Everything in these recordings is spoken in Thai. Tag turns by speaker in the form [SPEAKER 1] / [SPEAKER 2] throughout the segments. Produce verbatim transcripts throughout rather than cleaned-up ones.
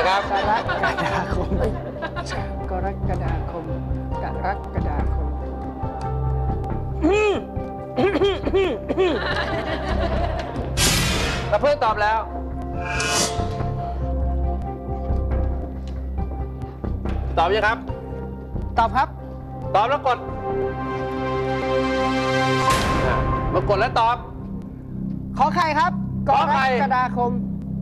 [SPEAKER 1] ครับ
[SPEAKER 2] กรกฎาคมกรกฎาคมกรกฎาคม
[SPEAKER 1] กระเพื่อนตอบแล้วตอบยังครับ
[SPEAKER 2] ตอบครับ
[SPEAKER 1] ตอบแล้วกดมากดแล้วตอบ
[SPEAKER 2] ขอไข่ครับกรกฎาคม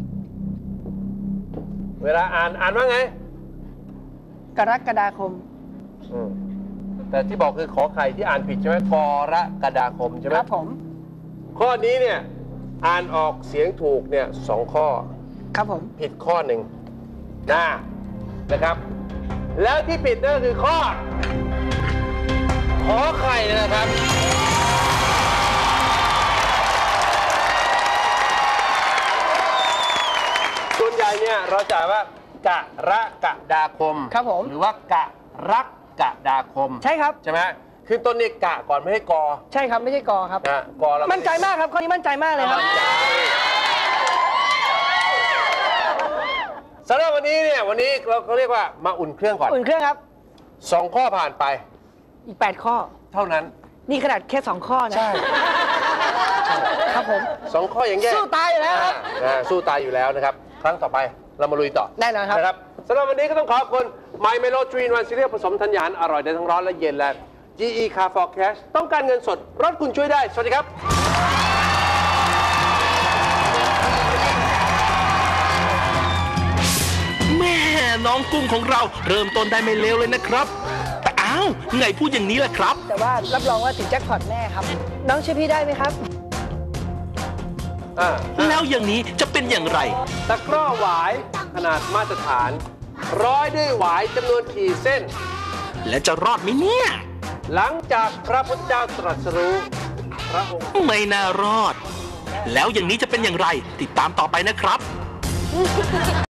[SPEAKER 1] เวลาอ่านอ่านว่าไง
[SPEAKER 2] กรกฎาคม
[SPEAKER 1] แต่ที่บอกคือขอไข่ที่อ่านผิดใช่ไหมกรกฎาคมใช่ไหม
[SPEAKER 2] ครับผม
[SPEAKER 1] ข้อนี้เนี่ยอ่านออกเสียงถูกเนี่ยสองข้อ
[SPEAKER 2] ครับผม
[SPEAKER 1] ผิดข้อหนึ่งนะนะครับแล้วที่ผิดนั่นก็คือข้อขอไข่นะครับส่วนใหญ่เนี่ยเราจะว่ากะระกะดาคม
[SPEAKER 2] ครับผม
[SPEAKER 1] หรือว่ากะรักกะดาคม
[SPEAKER 2] ใช่ครับ
[SPEAKER 1] ใช่ไหมคือต้นนี้กะก่อนไม่ให้กอ
[SPEAKER 2] ใช่ครับไม่ใช่กอครับ
[SPEAKER 1] นะกอแล้ว
[SPEAKER 2] มั่นใจมากครับข้อนี้มั่นใจมากเลยครับ
[SPEAKER 1] สำหรับวันนี้เนี่ยวันนี้เราเขาเรียกว่ามาอุ่นเครื่องก่อน
[SPEAKER 2] อุ่นเครื่องครับ
[SPEAKER 1] สองข้อผ่านไป
[SPEAKER 2] อีกแปดข้อ
[SPEAKER 1] เท่านั้น
[SPEAKER 2] นี่ขนาดแค่สองข้อนะ
[SPEAKER 1] ใช่
[SPEAKER 2] ครับผม
[SPEAKER 1] สองข้อยังแย่
[SPEAKER 2] สู้ตายอยู่แล้วครับ
[SPEAKER 1] สู้ตายอยู่แล้วนะครับครั้งต่อไปเรามาลุยต่อ
[SPEAKER 2] แน่นอนครับ
[SPEAKER 1] นะครับสำหรับวันนี้ก็ต้องขอบคุณ My Melo ทรี in วันซีเรียลผสมธัญญาหารอร่อยได้ทั้งร้อนและเย็นและ จี อี Car for Cash ต้องการเงินสดรถคุณช่วยได้สวัสดีครับ
[SPEAKER 3] แม่น้องกุ้งของเราเริ่มต้นได้ไม่เลวเลยนะครับแต่อ้าวไงพูดอย่างนี้ล่ะครับ
[SPEAKER 2] แต่ว่ารับรองว่าถึงแจ็คพอตแน่ครับน้องช่วยพี่ได้ไหมครับ
[SPEAKER 3] แล้วอย่างนี้จะเป็นอย่างไร
[SPEAKER 1] ตะกร้อหวายขนาดมาตรฐานร้อยด้วยหวายจำนวนกี่เส้น
[SPEAKER 3] และจะรอดไหมเนี่ย
[SPEAKER 1] หลังจากพระพุทธเจ้าตรัสรู้พระองค์
[SPEAKER 3] ไม่น่ารอดแล้วอย่างนี้จะเป็นอย่างไรติดตามต่อไปนะครับ